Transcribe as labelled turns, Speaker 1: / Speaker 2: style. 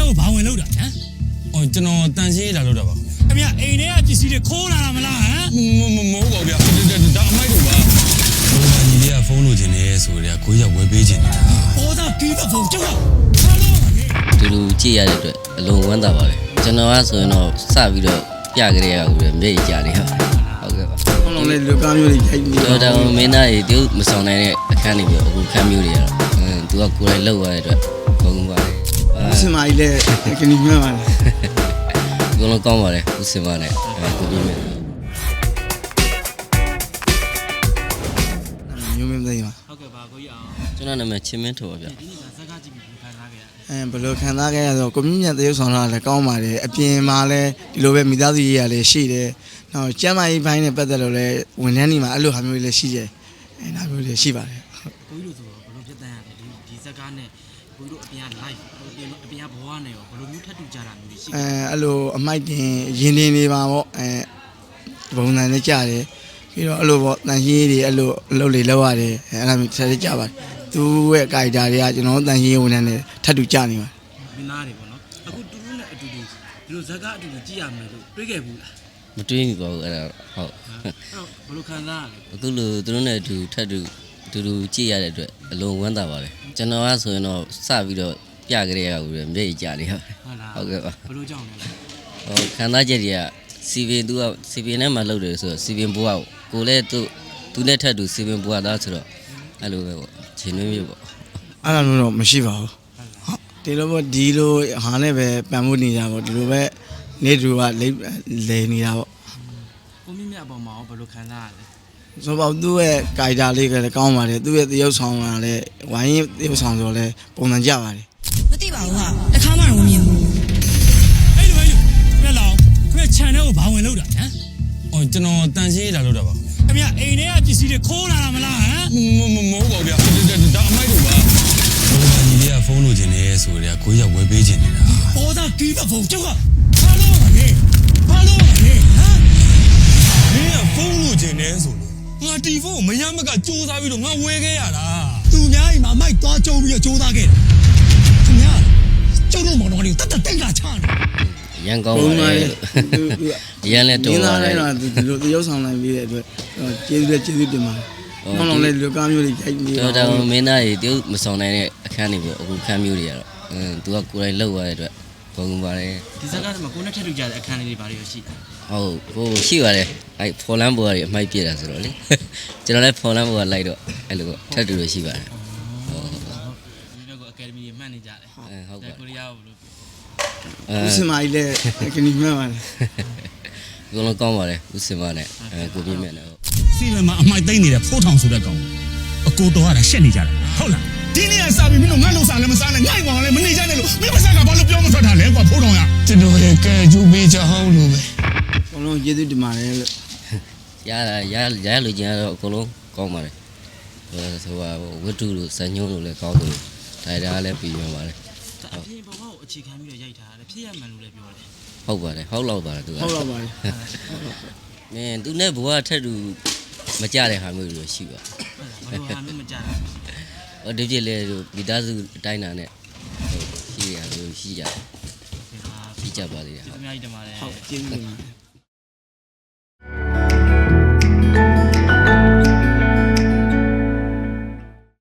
Speaker 1: ကိုဘာဝင်လို့တာဟမ်
Speaker 2: အော်ကျွန်တော်တန်ရှင်းလာလို့တော့ပါ
Speaker 1: ခင်ဗျအိမ်ထဲကပစ္စည်းတွေခိုးလာတာမလားဟမ်
Speaker 2: မဟုတ်ပါဗျာဒါအမိုက်တို့ပါဘိုးကြီးလေးကဖုန်းလိုချင်နေဆိုကြကိုကြီးကဝယ်ပေးချင်နေတာ
Speaker 1: ဘောသားပြီးတော့ဖုန်းကျောက်ကဘာလို့
Speaker 3: ဒီလိုကြည့်ရတဲ့အတွက်အလုံးဝမ်းသာပါတယ်ကျွန်တော်ကဆိုရင်တော့စပြီးတော့ပြကြရအောင်မျက်ရည်ကြတယ်ဟုတ်ကဲ့ပါ
Speaker 4: ဘလုံးလေးလူကားမျိုးတွေရိုက်ပြီး
Speaker 3: တော့မင်းသားတွေတူမဆောင်နိုင်တဲ့အခန်းတွေပြီးအခုခန်းမျိုးတွေကတော့သူကကိုယ်တိုင်လှုပ်ရတဲ့အတွက်ကောင်းပါတယ်
Speaker 4: စင်မကြီးလည်းကနီမြတ်ပါလား
Speaker 3: ဘလုံးကောင်းပါတယ်ဦးစင်မနဲ့ကိုပြင်းမယ်
Speaker 4: မျိုးမင်းသိပါ
Speaker 1: ဟုတ်ကဲ့ပါကိုကြီးအောင်
Speaker 3: ကျွန်တော်နာမည်ချင်းမင်းထော်ပါဗျ
Speaker 1: ဒီနေ့ကဇက်ကကြည့်ပြီးခံစားခဲ့ရ
Speaker 4: ဘယ်လိုခံစားခဲ့ရဆိုကိုမြင့်မြတ်တရုပ်ဆောင်တာလည်းကောင်းပါတယ်အပြင်မှာလည်းဒီလိုပဲမိသားစုရေးရလည်းရှိတယ်နောက်ကျမ်းမာရေးဘိုင်းနဲ့ပတ်သက်လို့လည်းဝန်ထမ်းတွေမှာအဲ့လိုဟာမျိုးတွေလည်းရှိတယ်ဒါမျိုးတွေရှိပါတယ်
Speaker 1: ကိုကြီးတို့ဆိုတော့ဘယ်လိုဖြစ်တန်းရလဲဒီဇက်ကားနဲ့ကိုကြီးတို့အပြင်က live အပြင်ကဘဝနဲ့ရောဘယ်လိုမျိုးထပ်တူကြတာမျိုးရှိ
Speaker 4: အဲ့လိုအမိုက်တင်ရင်တင်နေပါပေါ့ဘုံနိုင်လည်းကြတယ်ပြီးတော့အဲ့လိုပေါ့တန်ရှင်းတွေအဲ့လိုအလုပ်တွေလုပ်ရတယ်အဲ့ဒါမျိုးဆက်ကြပါတယ်သူ့ရဲ့ကာရီတာတွေကကျွန်တော်တန်ရှင်းဝန်ထမ်းတွေထပ်တူကြနေပါတယ်
Speaker 1: မင်းသားတွေပေါ့နော်အခုတူတူနဲ့အတူတူဒီလိုဇက်ကားအတူတူကြည့်ရမယ်လို့တွေးခဲ့ဘူးလား
Speaker 3: မတွေးမိပါဘူးအဲ့ဒါဟုတ်
Speaker 1: ဘယ်လိုခံစားရလဲ
Speaker 3: အခုလိုသူတို့နဲ့အတူထပ်တူကြည့်ရတဲ့အတွက်အလုံးဝမ်းသာပါတယ်ကျွန်တော်ကဆိုရင်တော့စပြီးတော့ပြကြရအောင်မျက်ရည်ကြတယ်ဟုတ်ကဲ့ပါ
Speaker 1: ဘယ်လိုကြောင့်လဲ
Speaker 3: ဟုတ်ခံစားချက်တွေကစီဗင်သူကစီဗင်နဲ့မှလုပ်တယ်ဆိုတော့စီဗင်ဘွားကိုလည်းသူနဲ့ထပ်တူစီဗင်ဘွားသားဆိုတော့အဲ့လိုပဲပေါ့ခြေနှွေးမျိုးပေါ့
Speaker 4: အဲ့လိုတော့မရှိပါဘူးဟုတ်ဒီလိုပေါ့ဒီလိုဟာနဲ့ပဲပံ့ပိုးနေကြပေါ့ဒီလိုပဲနေတူကလဲနေတာပေါ့
Speaker 1: ကိုမြင့်မြတ်အပေါ်မှာဘယ်လိုခံစားရလဲ
Speaker 4: ဆိုတော့သူ့ရဲ့ကာရီတာလေးကလည်းကောင်းပါတယ်သူ့ရဲ့သရုပ်ဆောင်ကလည်းဝိုင်းရင်သရုပ်ဆောင်ဆိုလည်းပုံစံကြပါတယ်
Speaker 5: မသိပါဘူးဟာတစ်ခါမှတော့မမြင်ဘူး
Speaker 1: အဲ့လိုခင်ဗျလောင်ခင်ဗျခြံထဲကိုဘာဝင်လို့တာဟမ်
Speaker 2: အော်ကျွန်တော်တန်ရှင်းလာလို့တော့ပါ
Speaker 1: ခင်ဗျအိမ်ထဲကပစ္စည်းတွေခိုးလာတာမလားဟမ်
Speaker 2: မဟုတ်ပါဗျာဒါအမိုက်တို့ပါဘိုးကြီးလေးကဖုန်းလိုချင်နေဆိုကြကိုကြီးကဝယ်ပေးချင်နေတာ
Speaker 1: ဘောသားပြီးတော့ဖုန်းကျောက်ကဘာလို့လဲဟမ်မင်း
Speaker 2: ကဖုန်းလိုချင်နေဆိုလို့ငါတီဖုန်းကိုမရမကစူးစမ်းပြီးတော့ငါဝယ်ခဲ့ရတာ
Speaker 1: သူများအိမ်မှာမိုက်သွားကျုံပြီးတော့စူးစမ်းခဲ့တယ်ခင်ဗျာကျုံလို့မောင်တော်လေးတတ်တိတ်လာချနေ
Speaker 3: ရန်ကောင်းပါလေရန်လည်းတော်
Speaker 4: ပါလေဒီလိုသရုပ်ဆောင်နိုင်ပြီးတဲ့အတွက်ကျေးဇူးတင်ပါတယ်ဘလုံးလေးလူကားမျိုးတွေရိုက်ပြီး
Speaker 3: တော့မင်းသားတွေတူမဆောင်နိုင်တဲ့အခန်းတွေပေါ့အခုခန်းမျိုးတွေကတော့သူကကိုယ်တိုင်လှုပ်ရတဲ့အတွက်ဘုံပါတယ်
Speaker 1: ဒီဇက်ကားမှာကိုနဲ့ထပ်တူကြတဲ့အခန်းလေးတွေဘာတွေရှိလဲ
Speaker 3: ဟုတ်ဟိုရှိပါတယ်အဲ့ဖော်လန်းဘော်တွေအမိုက်ပြတာဆိုတော့လေကျွန်တော်လည်းဖော်လန်းဘော်ကလိုက်တော့အဲ့လိုထပ်တူလို့ရှိပါတယ်
Speaker 1: ဟုတ်ဒီတော့ကိုအကယ်ဒမီတွေမှတ်နေကြတယ်
Speaker 3: ဟုတ်ပါ
Speaker 1: ကိုရီးယားကိုဘယ်လို
Speaker 4: ဦးစင်မကြီးလည်းကနီမြတ်ပါလား
Speaker 3: ဘလုံးကောင်းပါတယ်ဦးစင်မနဲ့ကိုပြင်းမြတ်နဲ့ဟုတ်
Speaker 1: စီမံမှာအမိုက်သိမ့်နေတဲ့ဖိုးထောင်ဆိုတဲ့ကောင်အကိုတော်ကရှက်နေကြတာဟုတ်လားဒီနေ့ကစားပြီးမင်းတို့ငါ့လုံစားလည်းမစားနဲ့ငါ့ကောင်လည်းမနေကြနဲ့လို့မင်းမစားကဘာလို့ပြောမထွက်တာလဲကွာဖိုးထောင်ရ
Speaker 2: ကျွန်တော်ရဲ့ကဲကျူပေးချဟောင်းလို့ပဲ
Speaker 4: ဘလုံးကျေးဇူးတင်ပါတယ်လို့
Speaker 3: ရလူချင်းကတော့အကုန်လုံးကောင်းပါတယ်ဆိုပါဝတ္ထုလို့ဇညုံလို့လည်းကောင်းတယ်ဒါလည်းပြီးပြန်ပါတယ်
Speaker 1: အပြင်ဘဝကိုအခြေခံပြီးတော့ရိုက်ထားတယ်ဖြစ်ရမှန်လို့လည်းပြောတယ်
Speaker 3: ဟုတ်ပါတယ်ဟုတ်လောက်ပါတယ်သူက
Speaker 4: ဟုတ်လောက်ပါတယ်
Speaker 3: မင်းသူနဲ့ဘဝထက်တူမကြတဲ့ဟာမျိုးတွေရှိပါ
Speaker 1: ဘယ်လိုဟာမျိုးမကြတာ
Speaker 3: ဟိုဒီပြည့်လေမိသားစုအတိုင်းတာနဲ့ရှိရလို့ရှိကြပါသေးတယ်
Speaker 1: အများကြီးတင်ပါတယ်
Speaker 4: ဟုတ်ကျေးဇူးတင်ပါတယ်